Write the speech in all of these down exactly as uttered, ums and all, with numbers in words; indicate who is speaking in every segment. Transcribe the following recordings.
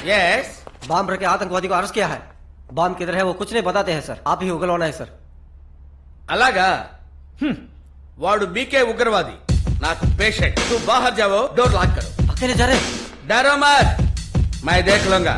Speaker 1: Yes
Speaker 2: बम रख के आतंकवादी को अरेस्ट किया है। बम किधर है वो कुछ नहीं बताते हैं सर, आप ही उगलवाना है सर।
Speaker 1: అలాగా వాడు బీకే ఉగ్రవాది, నాకు పేషెంట్। तू बाहर जाओ, डोर लॉक करो।
Speaker 2: अकेले जा रहे?
Speaker 1: डरो मत, मैं देख लूंगा।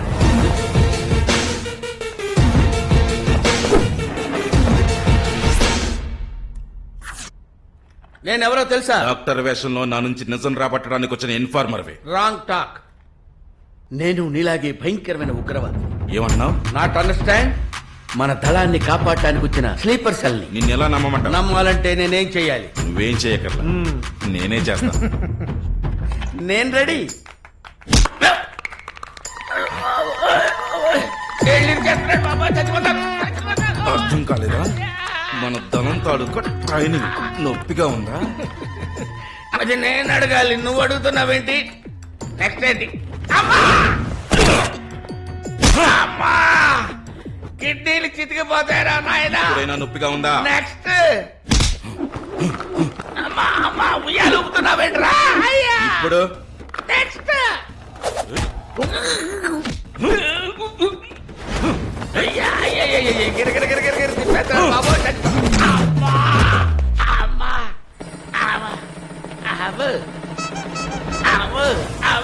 Speaker 1: నేనెవరో తెలుసా?
Speaker 3: డాక్టర్ వేషంలో నా నుంచి నిజం రాబట్టడానికి వచ్చిన ఇన్ఫార్మర్వే.
Speaker 1: Wrong talk. నేను నీలాగే భయంకరమైన ఉగ్రవాది.
Speaker 3: ఏమన్నావు?
Speaker 1: Not understand? మన దళాన్ని కాపాడటానికి వచ్చిన స్లీపర్ సెల్ ని
Speaker 3: నిన్ను ఎలా నమ్మమంటావు?
Speaker 1: నమ్మాలంటే నేనేం చెయ్యాలి?
Speaker 3: నువ్వేం చేయకర్లా, నేనే చేస్తా.
Speaker 1: నేను రెడీ.
Speaker 3: అర్థం కాలేదా? మన దళం తాలూకా ట్రైనింగ్ నొప్పిగా ఉందా?
Speaker 1: అది నేను అడగాలి, నువ్వు అడుగుతున్నావేంటి? నెక్స్ట్ ఏంటి? కిడ్నీలు చితికిపోతాయరా నాయనా.
Speaker 3: ఎప్పుడైనా నొప్పిగా ఉందా?
Speaker 1: నెక్స్ట్ ఉయ్యాలు ఊపుతున్నావేంట్రా?
Speaker 3: ఇప్పుడు
Speaker 1: నెక్స్ట్ గిరగిర గిరగిర గిర తిప్పేస్తాను బాబు. అమ్మా అమ్మా అవ అవ అవ అవ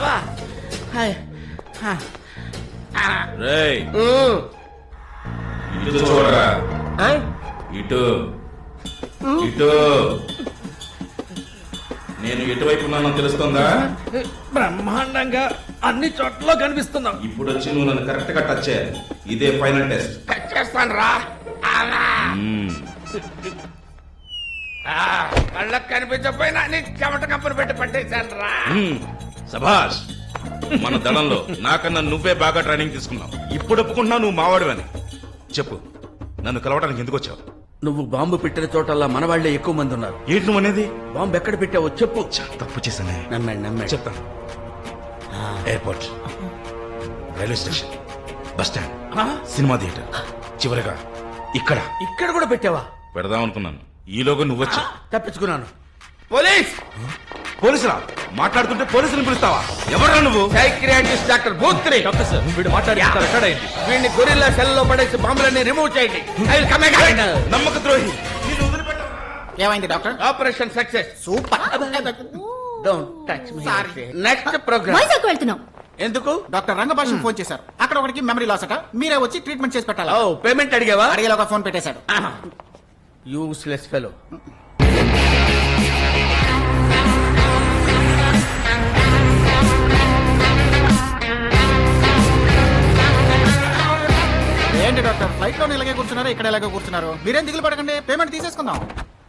Speaker 3: రేయ్ ఇటు చూడరా. ఇటు ఇటు. నేను ఎటువైపు ఉన్నానో తెలుస్తుందా?
Speaker 1: బ్రహ్మాండంగా అన్ని చోట్ల కనిపిస్తున్నావు.
Speaker 3: ఇప్పుడు వచ్చి నువ్వు నన్ను కరెక్ట్ గా టచ్ చేయాలి. ఇదే ఫైనల్ టెస్ట్.
Speaker 1: టచ్ చేస్తాను రా. కళ్ళకు కనిపించకపోయినా నీ చెమట కప్పులు పెట్టి పట్టేశాను రా.
Speaker 3: సభాష్. మన దళంలో నాకన్నా నువ్వే బాగా ట్రైనింగ్ తీసుకున్నావు. ఇప్పుడు ఒప్పుకుంటున్నావు నువ్వు మావాడివని. చెప్పు, నన్ను కలవడానికి ఎందుకు వచ్చావు?
Speaker 1: నువ్వు బాంబు పెట్టిన చోటల్లా మన వాళ్లే ఎక్కువ మంది ఉన్నారు.
Speaker 3: ఏంటి నువ్వు అనేది?
Speaker 1: బాంబు ఎక్కడ పెట్టావో చెప్పు.
Speaker 3: తప్పు చేశానే.
Speaker 1: నమ్మాడు నమ్మాడు.
Speaker 3: చెప్తాను. Airport, railway station, bus stand, cinema theatre, చివరిగా ఇక్కడ.
Speaker 1: ఇక్కడ కూడా పెట్టావా?
Speaker 3: పెడదాం అనుకున్నాను, ఈలోగా నువ్వు వచ్చా.
Speaker 1: తప్పించుకున్నాను. పోలీస్
Speaker 3: పోలీసులా? మాట్లాడుతుంటే పోలీసుని పిలుస్తావా? ఎవరా నువ్వు?
Speaker 1: Psychiatrist doctor Bhutri.
Speaker 4: Doctor sir, వీడు మాట్లాడి రికార్డ్ అయింది.
Speaker 1: వీడిని గొరిల్లా సెల్ లో పడేసి బాంబులన్నీ రిమూవ్ చేయండి. I will come again.
Speaker 3: నమ్మక ద్రోహి.
Speaker 5: ఏమైంది doctor?
Speaker 1: Operation success.
Speaker 5: Super.
Speaker 1: Don't touch me. Next programme.
Speaker 6: Vizag వెళ్తున్నాం.
Speaker 1: ఎందుకు?
Speaker 5: డాక్టర్ రంగభాషం ఫోన్ చేశారు. అక్కడ ఒకరికి మెమరీ లాస్ అట, మీరే వచ్చి ట్రీట్మెంట్ చేసి పెట్టాలి.
Speaker 1: ఓ పేమెంట్ అడిగావా?
Speaker 5: అడిగేలోగా ఫోన్ పెట్టేశాడు.
Speaker 1: Useless fellow.
Speaker 5: ఏంటి డాక్టర్, ఫ్లైట్ లో ఇలాగే కూర్చున్నారు, ఇక్కడ ఇలాగే కూర్చున్నారు. మీరేం దిగులు పడకండి, పేమెంట్ తీసేసుకుందాం.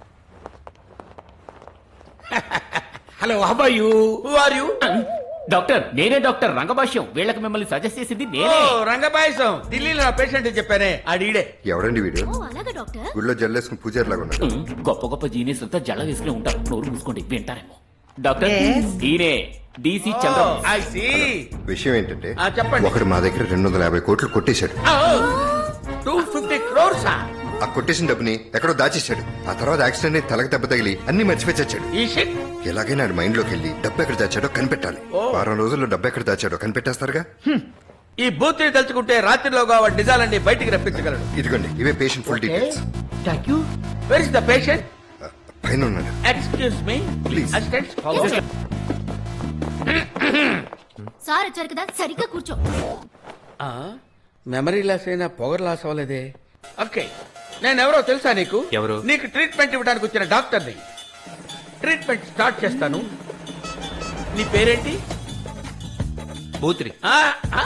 Speaker 1: Hello, how are you? Who are you?
Speaker 4: Doctor, నేనే డాక్టర్ రంగభాష్యం. వీళ్ళకి మిమ్మల్ని సజెస్ట్ చేసింది నేనే.
Speaker 1: రంగభాష్యం ఢిల్లీలో నా పేషెంట్ చెప్పానే, అడిడే.
Speaker 7: ఎవడండి వీడు?
Speaker 6: ఓ అలాగా డాక్టర్.
Speaker 7: గుడిలో జల్లేసుకుని పూజారి లాగా ఉన్నాడు.
Speaker 4: గొప్ప గొప్ప జీనియస్ అంతా జల వేసుకుని ఉంటారు. నోరు మూసుకోండి, వింటారేమో. డాక్టర్, ఈయనే డీసీ చంద్రబాబు.
Speaker 1: I see.
Speaker 7: విషయం ఏంటంటే
Speaker 1: ఆ, చెప్పండి.
Speaker 7: ఒకడు మా దగ్గర రెండు వందల యాభై కోట్లు కొట్టేశాడు.
Speaker 1: Two fifty crores.
Speaker 7: ఆ కొట్టేసిన డబ్బుని ఎక్కడో దాచేశాడు. ఆ తర్వాత యాక్సిడెంట్ అయి తలకు దెబ్బ తగిలి అన్ని మర్చిపోయి చచ్చాడు.
Speaker 1: ఈ షిట్.
Speaker 7: ఎలాగైనా ఆడి మైండ్ లోకి వెళ్ళి డబ్బు ఎక్కడ దాచాడో కనిపెట్టాలి. వారం రోజుల్లో డబ్బు ఎక్కడ దాచాడో కనిపెట్టేస్తారుగా.
Speaker 1: ఈ బూత్ని తలుచుకుంటే రాత్రిలోగా వాడి నిజాలన్నీ బయటికి రప్పించగలడు.
Speaker 7: ఇదిగోండి, ఇవే patient full details.
Speaker 1: Thank you. Where is the patient?
Speaker 7: పైన ఉన్నాడు.
Speaker 1: Excuse me
Speaker 7: Please.
Speaker 1: Assistant.
Speaker 6: Sir వచ్చారు కదా, సరిగ్గా కూర్చో.
Speaker 1: మెమరీ లాస్ అయినా పొగర్ లాస్ అవ్వలేదే. ఓకే, నేను ఎవరో తెలుసా నీకు?
Speaker 4: ఎవరు?
Speaker 1: నీకు ట్రీట్మెంట్ ఇవ్వడానికి వచ్చిన డాక్టర్ని. ట్రీట్మెంట్ స్టార్ట్ చేస్తాను. నీ పేరేంటి?
Speaker 4: భూత్రి.
Speaker 1: ఆ, ఆ?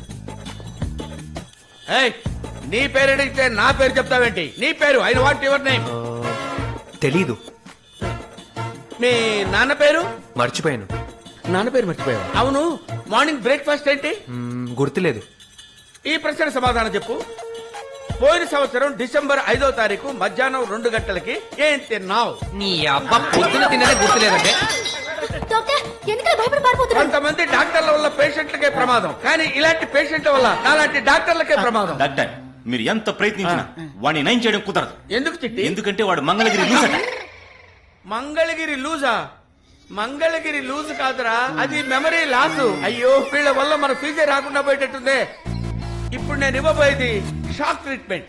Speaker 1: ఏయ్, నీ పేరు అడిగితే నా పేరు చెప్తావేంటి? నీ పేరు ఐ వాంట్ యువర్ నేమ్.
Speaker 8: తెలీదు,
Speaker 1: మీ నాన్న పేరు?
Speaker 8: మర్చిపోయాను.
Speaker 1: నాన్న పేరు మర్చిపోయావు? అవును, మార్నింగ్ బ్రేక్ఫాస్ట్ ఏంటి?
Speaker 8: మ్మ్, గుర్తులేదు.
Speaker 1: ఈ ప్రశ్న సమాధానం చెప్పు. పోయిన సంవత్సరం డిసెంబర్ ఐదో తారీఖు మధ్యాహ్నం రెండు గంటలకి ఏం తిన్నావు?
Speaker 8: నీ అబ్బా, పొద్దున తిన్నదే గుర్తులేదంటే.
Speaker 6: డాక్టర్ ఎందుకలా భయపడి పారిపోతున్నారు?
Speaker 1: కొంతమంది డాక్టర్ల వల్ల పేషెంట్లకే ప్రమాదం, కానీ ఇలాంటి పేషెంట్ల వల్ల నాలాంటి డాక్టర్లకే ప్రమాదం.
Speaker 3: డాక్టర్, మీరు ఎంత ప్రయత్నించినా వాడిని నయం చేయడం కుదరదు.
Speaker 1: ఎందుకు చిట్టి?
Speaker 3: ఎందుకంటే వాడు మంగళగిరి లూజ్ అట.
Speaker 1: మంగళగిరి లూజా? మంగళగిరి లూజ్ కాదురా, అది మెమరీ లాస్. అయ్యో వీళ్ళ వల్ల మన ఫ్యూచర్ రాకుండా పోయేటట్టుందే. ఇప్పుడు నేను ఇవ్వబోయేది షాక్ ట్రీట్మెంట్.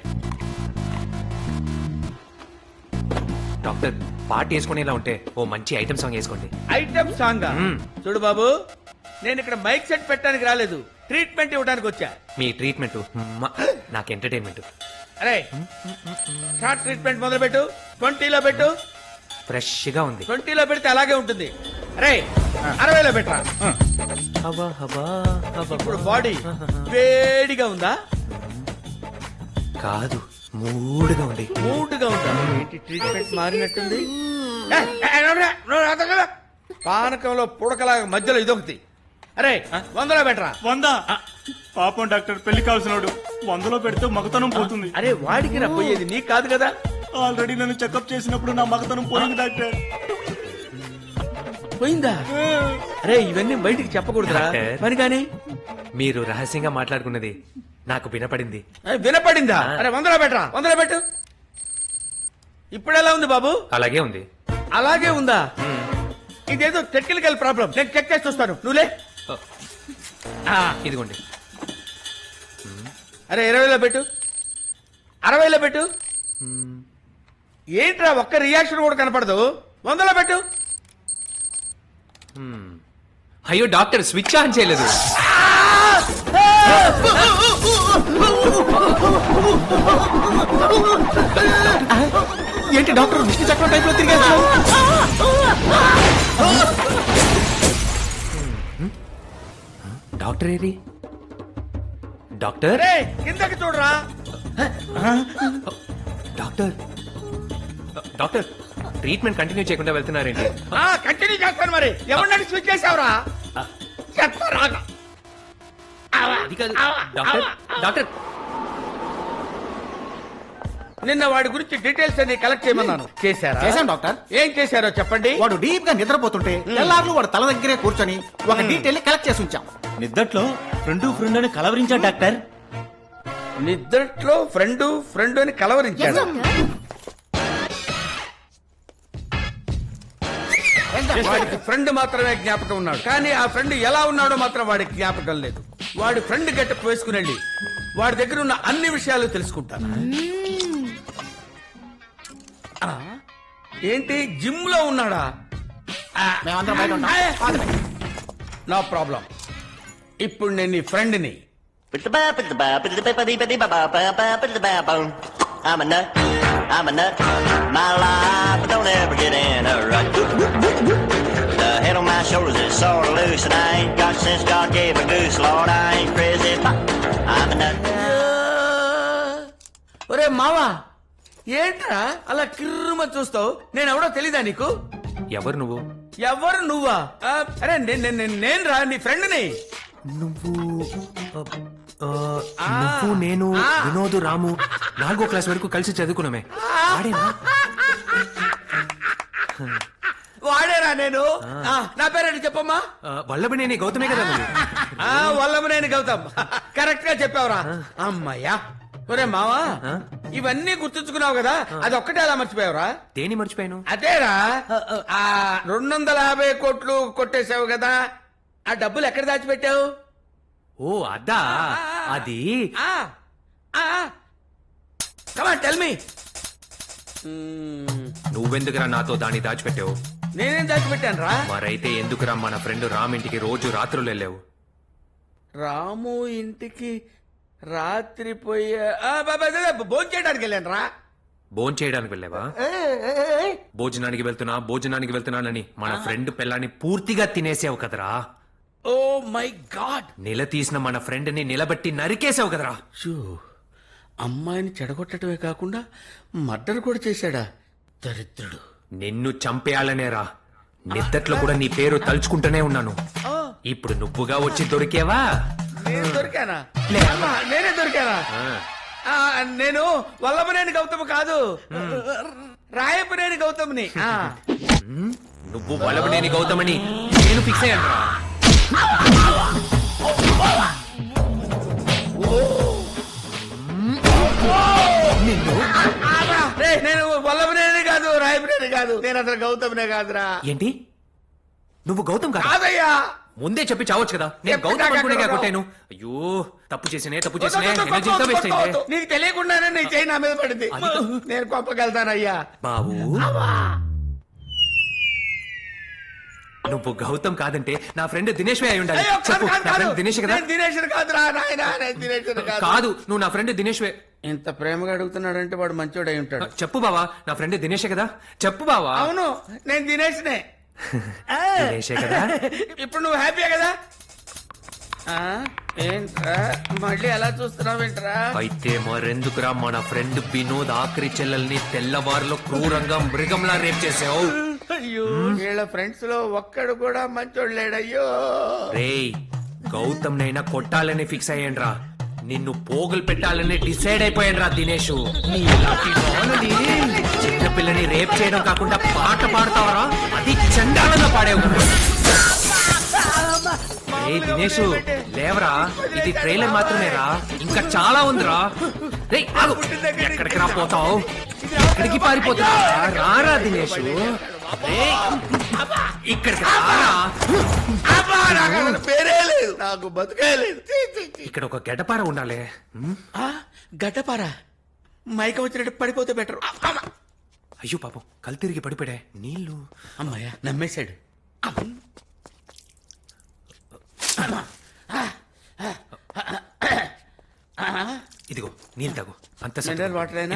Speaker 8: డాక్టర్ పాట వేసుకునేలా ఉంటే ఓ మంచి ఐటమ్ సాంగ్ వేసుకోండి.
Speaker 1: ఐటమ్ సాంగ్
Speaker 8: మ్మ్.
Speaker 1: చూడు బాబు, నేను ఇక్కడ మైక్ సెట్ పెట్టడానికి రాలేదు, ట్రీట్మెంట్ ఇవ్వడానికి వచ్చా.
Speaker 8: మీ ట్రీట్మెంట్ నాకు ఎంటర్టైన్మెంట్.
Speaker 1: అరే షార్ట్ ట్రీట్మెంట్ మొదలు పెట్టు. ట్వంటీలో పెట్టు.
Speaker 8: ఫ్రెష్ గా ఉంది.
Speaker 1: ట్వంటీలో పెడితే అలాగే ఉంటుంది. అరే అరవైలో పెట్టరా.
Speaker 8: హవా హవా హవా.
Speaker 1: ఇప్పుడు బాడీ వేడిగా ఉందా?
Speaker 8: కాదు మూడుగా ఉంది.
Speaker 1: మూడుగా ఉందా? ఏంటి ట్రీట్మెంట్ మారినట్టుంది? ఏ, ఏ, నోరా, నోరా, నోరా. పానకంలో పుడకలాగా మధ్యలో ఇదొకటి. అరే వందలో పెట్టరా.
Speaker 9: వంద పాపం డాక్టర్ పెళ్లి కావాల్సినోడు వందలో పెడితే మగతనం పోతుంది.
Speaker 1: అరే వాడికి నా పోయేది నీకు కాదు కదా.
Speaker 9: ఆల్రెడీ నన్ను చెకప్ చేసినప్పుడు నా మగతనం పోయింది డాక్టర్.
Speaker 1: పోయిందా? అరే ఇవన్నీ బయటికి చెప్పకూడదురా.
Speaker 8: డాక్టర్.
Speaker 1: మరి కానీ
Speaker 8: మీరు రహస్యంగా మాట్లాడుకున్నది నాకు వినపడింది.
Speaker 1: ఏ, వినపడిందా? అరే వందలో పెట్టరా. వందలో పెట్టు. ఇప్పుడు ఎలా ఉంది బాబు?
Speaker 8: అలాగే ఉంది.
Speaker 1: అలాగే ఉందా? ఇదేదో టెక్నికల్ ప్రాబ్లం, నేను చెక్ చేసి చూస్తాను. నువ్వులే. ఆ,
Speaker 8: ఇదిగోండి.
Speaker 1: అరే ఇరవైలో పెట్టు. అరవైలో పెట్టు. ఏంట్రా ఒక్క రియాక్షన్ కూడా కనపడదు. వందలో పెట్టు.
Speaker 8: అయ్యో డాక్టర్ స్విచ్ ఆన్ చేయలేదు.
Speaker 5: ఏంటి డాక్టర్ విష్ణు చక్రం టైప్ లో తిరిగేస్తారు?
Speaker 8: డాక్టర్ ఏరి? డాక్టర్
Speaker 1: అరే కిందకి చూడరా.
Speaker 8: డాక్టర్ డాక్టర్ ట్రీట్మెంట్ కంటిన్యూ చేయకుండా వెళ్తున్నారేంటి?
Speaker 1: ఆ కంటిన్యూ చేస్తాను. మరి ఎవరినైనా స్విచ్ చేసావురా? చెప్తారా.
Speaker 8: అది కాదు డాక్టర్. డాక్టర్
Speaker 1: నిన్న వాడి గురించి డీటెయిల్స్ అన్ని కలెక్ట్ చేయమన్నాను. చేశారా?
Speaker 5: చేశాను డాక్టర్.
Speaker 1: ఏం చేశారో చెప్పండి.
Speaker 5: వాడు డీప్ గా నిద్రపోతుంటే తెల్లార్లు వాడు తల దగ్గరే కూర్చొని ఒక డీటెయిల్ కలెక్ట్ చేసి ఉంచాం.
Speaker 9: నిద్దట్లో ఫ్రెండ్ ఫ్రెండ్ అని కలవరించా డాక్టర్.
Speaker 1: నిద్రట్లో ఫ్రెండ్ ఫ్రెండ్ అని కలవరించాడు. వాడికి ఫ్రెండ్ మాత్రమే జ్ఞాపకం ఉన్నాడు, కానీ ఆ ఫ్రెండ్ ఎలా ఉన్నాడో మాత్రం వాడికి జ్ఞాపకం లేదు. వాడి ఫ్రెండ్ గెటప్ వేసుకుని వెళ్ళి వాడి దగ్గర ఉన్న అన్ని విషయాలు తెలుసుకుంటాను. ఆ, ఏంటి జిమ్ లో ఉన్నాడా?
Speaker 5: మేమందరం బయట ఉంటాం.
Speaker 1: No problem. ఇప్పుడు నేను నీ ఫ్రెండ్ని.
Speaker 10: I'm a nut, I'm a nut. My life don't ever get in a rut. The head on my shoulders is sort of loose, and I ain't got since God gave a goose. Lord, I ain't crazy, but I'm a nut.
Speaker 1: ఒరే మావా, ఏంట్రా అలా కిర్రుమ చూస్తావు? నేను ఎవడో తెలీదా నీకు?
Speaker 8: ఎవరు నువ్వు?
Speaker 1: ఎవరు నువ్వా? ఆ, అరే నేను రా నీ ఫ్రెండ్ని.
Speaker 8: నువ్వు ఆ, నువ్వు నేను వినోద్ రాము నాలుగో క్లాస్ వరకు కలిసి చదువుకున్నామే. వాడేనా?
Speaker 1: వాడేరా నేను. ఆ, నా పేరేంటి చెప్పమ్మా?
Speaker 8: ఆ, వల్లభనేని గౌతమే కదా నువ్వు?
Speaker 1: ఆ వల్లభనేని గౌతమ్. కరెక్ట్ గా చెప్పావురా. అమ్మయ్యా. ఒరే మావా, ఇవన్నీ గుర్తుంచుకున్నావు కదా, అది ఒక్కటే అలా మర్చిపోయావురా?
Speaker 8: దేని మర్చిపోయాను?
Speaker 1: అదేరా, ఆ రెండు వందల యాభై కోట్లు కొట్టేశావు కదా, ఆ డబ్బులు ఎక్కడ దాచిపెట్టావు?
Speaker 8: ఓ అదా, అది
Speaker 1: టెల్ మీ.
Speaker 8: నువ్వెందుకురా నాతో దాన్ని దాచిపెట్టావు?
Speaker 1: నేనేం దాచిపెట్టాను రా?
Speaker 8: మరైతే ఎందుకురా మన ఫ్రెండ్ రామ్ ఇంటికి రోజు రాత్రులు వెళ్ళావు?
Speaker 1: రాము ఇంటికి రాత్రి పోయే భోజనం చేయడానికి వెళ్ళాను రా.
Speaker 8: భోజనం చేయడానికి వెళ్ళావా? భోజనానికి వెళ్తున్నా భోజనానికి వెళ్తున్నానని మన ఫ్రెండ్ పిల్లాన్ని పూర్తిగా తినేసావు కదరా.
Speaker 1: Oh my God.
Speaker 8: నిలదీసిన మన ఫ్రెండ్ ని నిలబెట్టి నరికేసావు కదరా.
Speaker 1: షూ, అమ్మాయిని చెడగొట్టడమే కాకుండా మర్డర్ కూడా చేశాడా దరిద్రుడు.
Speaker 8: నిన్ను చంపేయాలనేరా నిద్దట్లో కూడా నీ పేరు తలుచుకుంటూనే ఉన్నాను. ఇప్పుడు నువ్వుగా వచ్చి దొరికేవా?
Speaker 1: నేను దొరికానా? అమ్మా, నేనే దొరికానా? ఆ, నేను వల్లభనేని గౌతమ్ కాదు, రాయపనేని గౌతమ్ని. ఆ.
Speaker 8: నువ్వు వల్లభనేని గౌతమని నేను ఫిక్స్ అయ్యాను.
Speaker 1: రేయ్, నేను వల్లభనేని కాదు, రాయపనేని కాదు, నేను అసలు గౌతమ్నే కాదురా.
Speaker 8: ఏంటి నువ్వు గౌతమ్ కాదా
Speaker 1: కాదయ్యా.
Speaker 8: ముందే చెప్పి చావచ్చు కదా నేను
Speaker 1: చెప్పి
Speaker 8: గౌతమ్ అనుకునే
Speaker 1: నాకెక్కడ
Speaker 8: కొట్టాను. అయ్యో తప్పు చేసినే తప్పు
Speaker 1: వద్దు,
Speaker 8: చేసినే
Speaker 1: వద్దు,
Speaker 8: ఎనర్జీ
Speaker 1: వద్దు,
Speaker 8: అంతా వేస్ట్
Speaker 1: వద్దు,
Speaker 8: అయింది.
Speaker 1: వద్దు. నీకు తెలియకుండానే నీ చేయి నా మీద పడింది. నేను కోపకెళ్తానయ్యా.
Speaker 8: బాబు నువ్వు గౌతమ్ కాదంటే నా ఫ్రెండ్ దినేష్ అయి ఉండాలి.
Speaker 1: అయ్యో, కాదు,
Speaker 8: చెప్పు
Speaker 1: కాదు,
Speaker 8: నా
Speaker 1: కాదు.
Speaker 8: ఫ్రెండ్ దినేష్ కదా?
Speaker 1: నేను దినేష్ని కాదురా నాయనా, నేను దినేష్ని కాదు.
Speaker 8: కాదు నువ్వు నా ఫ్రెండ్ దినేష్
Speaker 1: ఇంత ప్రేమగా అడుగుతున్నాడంటే వాడు మంచోడై ఉంటాడు.
Speaker 8: చెప్పు బావా నా ఫ్రెండ్ దినేషే కదా? చెప్పు బావా.
Speaker 1: అవును, నేను దినేష్నే.
Speaker 8: దినేషే కదా?
Speaker 1: ఇప్పుడు నువ్వు హ్యాపీయే కదా? ఆ, ఏంట్రా మళ్ళీ ఎలా చూస్తున్నావేంట్రా?
Speaker 8: అయితే మరెందుకురా మన ఫ్రెండ్ వినోద్ ఆఖరి చెల్లెల్ని తెల్లవారులో క్రూరంగా మృగంలా రేప్ చేసావు?
Speaker 1: అయ్యో, వీళ్ళ ఫ్రెండ్స్ లో ఒక్కడు కూడా మంచోడు లేడయ్యో.
Speaker 8: రేయ్ గౌతమ్ నైనా కొట్టాలని ఫిక్స్ అయ్యాన్రా. నిన్ను పోగులు పెట్టాలని డిసైడ్ అయిపోయాన్రా దినేష్. చిన్న పిల్లని రేప్ చేయడం కాకుండా పాట పాడతావరా? అది చండాలంగా పాడేవు. ఏ దినేష్ లేవరా, ఇది ట్రైలర్ మాత్రమేరా, ఇంకా చాలా ఉందిరా. రేయ్ ఆగు, ఎక్కడికి రా పోతావు? ఎక్కడికి పారిపోతున్నా? రారా దినేష్, రేయ్, ఇక్కడికి రారా.
Speaker 1: అబ్బా, నాకు అసలు పేరే లేదు, నాకు బతుకే లేదు. ఛీ, ఛీ, ఛీ.
Speaker 8: ఇక్కడ ఒక గడ్డపార ఉండాలి. ఉమ్,
Speaker 1: ఆ, గడ్డపారా మైక వచ్చినట్టు పడిపోతే బెటర్.
Speaker 8: అయ్యో పాపం కళ్ళు తిరిగి పడిపోయాడే. నీళ్ళు
Speaker 1: అమ్మాయ్యా, నమ్మేశాడు.
Speaker 8: ఇదిగో నీళ్ళు తాగు. అంత
Speaker 1: మినరల్ వాటర్ అయినా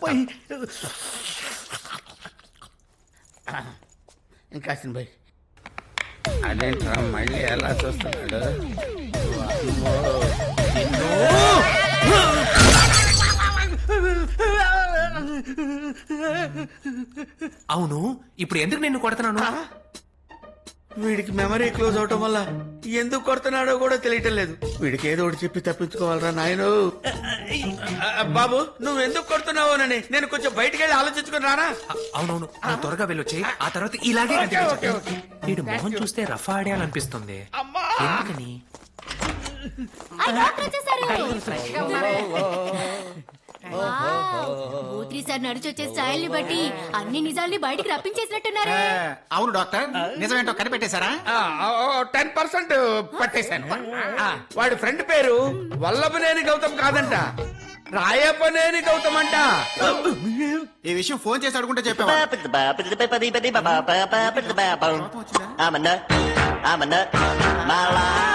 Speaker 1: ఇంకా బాయ్. అదేంట్రా మళ్ళీ ఎలా చూస్తున్నాడు?
Speaker 8: అవును ఇప్పుడు ఎందుకు నిన్ను కొడుతున్నాను?
Speaker 1: వీడికి మెమరీ క్లోజ్ అవటం వల్ల ఎందుకు కొడుతున్నాడో కూడా తెలియటం లేదు. వీడికి ఏదో ఒకటి చెప్పి తప్పించుకోవాలరా నాయను. బాబు నువ్వు ఎందుకు కొడుతున్నావోనని నేను కొంచెం బయటికి వెళ్ళి ఆలోచించుకుని రానా?
Speaker 8: అవునవును నువ్వు త్వరగా వెళ్ళొచ్చి ఆ తర్వాత ఇలాగే
Speaker 1: ఓకే, ఓకే, ఓకే.
Speaker 8: వీడు మొహం చూస్తే రఫా ఆడేయాలనిపిస్తుంది. ఎందుకని?
Speaker 6: ఆ, డాక్టర్ వచ్చేసారు. వావ్, భూత్రి సార్ నడిచొచ్చే స్టైల్ ని బట్టి అన్ని నిజాల్ని బయటికి రప్పించేసినట్టున్నారే.
Speaker 5: అవును డాక్టర్, నిజమేంటో కనిపెట్టేశారా?
Speaker 1: టెన్ పర్సెంట్ పట్టేశాను. ఆ, వాడి ఫ్రెండ్ పేరు వల్లభనేని గౌతమ్ కాదంట, రాయపనేని గౌతమ్ అంట.
Speaker 5: ఈ విషయం ఫోన్ చేసి అడుగుంటే చెప్పావా?
Speaker 10: I'm a nut, I'm a nut, my life